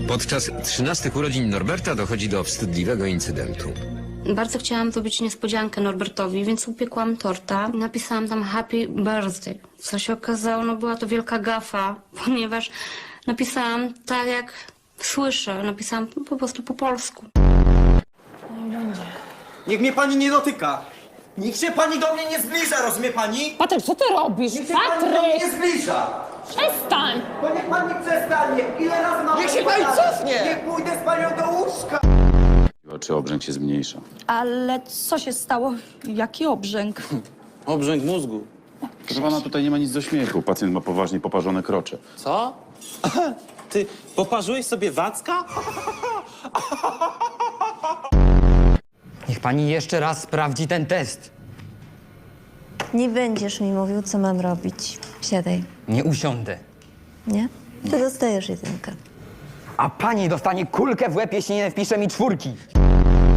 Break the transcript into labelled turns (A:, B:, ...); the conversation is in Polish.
A: Podczas 13 urodzin Norberta dochodzi do wstydliwego incydentu.
B: Bardzo chciałam zrobić niespodziankę Norbertowi, więc upiekłam torta. Napisałam tam happy birthday. Co się okazało, no była to wielka gafa, ponieważ napisałam tak jak słyszę. Napisałam po prostu po polsku.
C: Niech mnie pani nie dotyka! Niech się pani do mnie nie zbliża, rozumie pani?
D: Patryk, co ty robisz?
C: Niech się pani do mnie
D: Patryk!
C: nie zbliża!
D: Przestań!
C: To niech pani przestanie! Ile razy mam
E: Niech się pani cofnie!
C: Niech pójdę z panią do łóżka!
F: Czy obrzęk się zmniejsza?
G: Ale co się stało? Jaki obrzęk?
F: Obrzęk mózgu. Proszę pana, tutaj nie ma nic do śmiechu. Pacjent ma poważnie poparzone krocze.
E: Co? Ty poparzyłeś sobie Wacka?
H: Niech pani jeszcze raz sprawdzi ten test.
I: Nie będziesz mi mówił, co mam robić. Siadaj,
H: Nie usiądę.
I: nie? Ty dostajesz jedynkę.
H: A pani dostanie kulkę w łeb, jeśli nie wpisze mi 4.